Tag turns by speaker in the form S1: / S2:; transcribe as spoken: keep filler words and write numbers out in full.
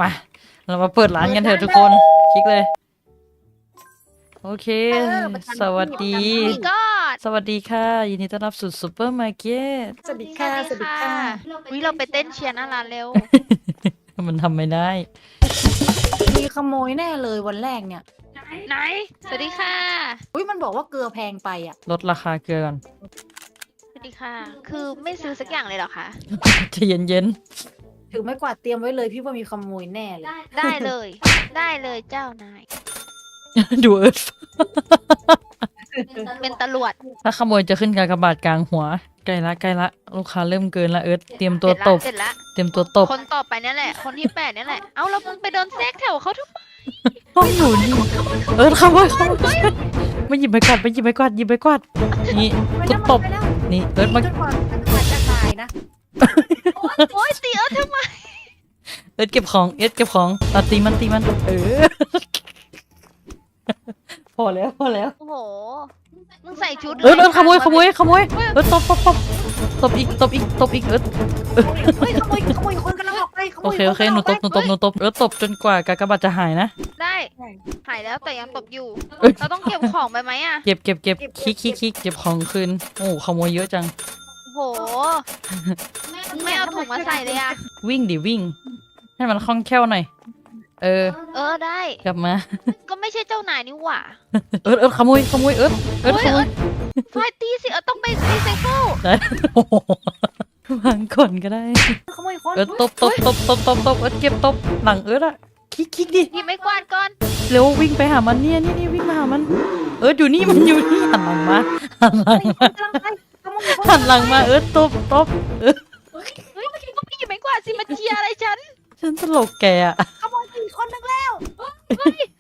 S1: มาเรามาเปิดร้านกันเถอะทุกคนคลิกเลยโอเคสวัสดี
S2: มีก็
S1: สวัสดีค่ะยินดีต้อนรับสู่ซูเปอร์มาร์เก็ต
S3: สวัสดีค่ะสวัสดีค่ะ
S2: วิเราไปเต้นเชียร์หน้าร้านเร็ว
S1: มันทำไม่ได้
S3: มีขโมยแน่เลยวันแรกเนี่ย
S2: ไหน สวัสดีค่ะ
S3: อุ้ยมันบอกว่าเกลือแพงไปอ่ะ
S1: ลดราคาเกลือก่อน
S2: สวัสดีค่ะ คือไม่ซื้อสักอย่างเลยเหรอคะ
S1: ใจะเย็น
S3: ถือไม้กวาดเตรียมไว้เลยพี่ว่ามีขโมยแน่เลย
S2: ได้เลย ได้เลยเจ้านาย
S1: ๆ ดูเอิร์ธ
S2: เป็นตำรวจ
S1: ถ้าขโมยจะขึ้นกากบาทกลางหัวใกล้ละใกล้ละลูกค้าเริ่มเกินละเอิร์ธเตรียมตัวตบ
S2: เสร็จละ
S1: เตรียมตัวตบ
S2: คนต่อไปนั่นแหละ คนที่แปดนั่นแหละ เอ้าแล้วมึงไปเดินแทรกแถวเขาทุก
S1: ต้องอยู่นี่เอิร์ธขโมยขโมยมาหยิบไปกวาดไปหยิบไปกวาดหยิบไปกวาดนี่กูตบนี่เอิร์ธมา
S3: จนกว่าจะจะตายนะ
S2: โอ๊ยตีเอิร์ธทำไม
S1: เอิร์ธเก็บของเอิร์ธเก็บของเอาตีมันตีมันเออ พอแล้วพอแล้ว
S2: โอ้โห มึงใส่ชุด
S1: เอิร์ธเอิร์ธขโมยขโมยขโมยเอิร์ธตบตบตบตบอีกตบอีกตบอีกเอิร์ธ
S3: เฮ้ยขโมยขโมยคนกำลังออกไปขโม
S1: โอย เคโอเคหนูตบหนูตบหนูตบเอิร์ธตบจนกว่ากากบาทจะหายนะ
S2: ได้ หายแล้วแต่ยังตบอยู่
S1: เอ้ย
S2: เราต้องเก็บของไปไหมอะ
S1: เก็บเก็บเก็บคิกคิกคิกเก็บของคืนโอ้โหขโมยเยอะจัง
S2: โอ้โห มึงไม่เอาถุงมาใส่เลยอะ
S1: วิ่งดิวิ่ง ให้มันคล่องแคล่วหน่อยเออ
S2: เออได้
S1: กลับมา
S2: ก็ไม่ใช่เจ้านายนี่หว่า
S1: เอิร์ธเอิร์ธขโมยขโมยเอิร์ธเอิร์ธขโมย
S2: ไฟตีสิเออต้องไปรีไซเคิล
S1: ได้โอ้โหวางก่อนก็ได้
S3: ขโมยคน
S1: เอิร์ธตบตบตบตบตบตบเอิร์ธเก็บตบหลังเอิร์ธอะคิกคิกดิ
S2: หยิบไม้กวาดก่อน
S1: เร็ววิ่งไปหามันเนี่ยนี่นี่วิ่งมาหามัน เอิร์ธอยู่นี่มันอยู่นี่หันหลังมาหันหลังมา
S3: กำลังไปขโมยคน
S1: หันหลังมาเอิร์ธตบตบเอิร์ธ
S2: เฮ้ยก็ไม่หยิบไม้กวาดสิมาเชียร์อะไรฉัน
S1: ฉันตลกแกอะ
S3: ขโมยอีกคนนึงแล้ว
S2: เฮ้ย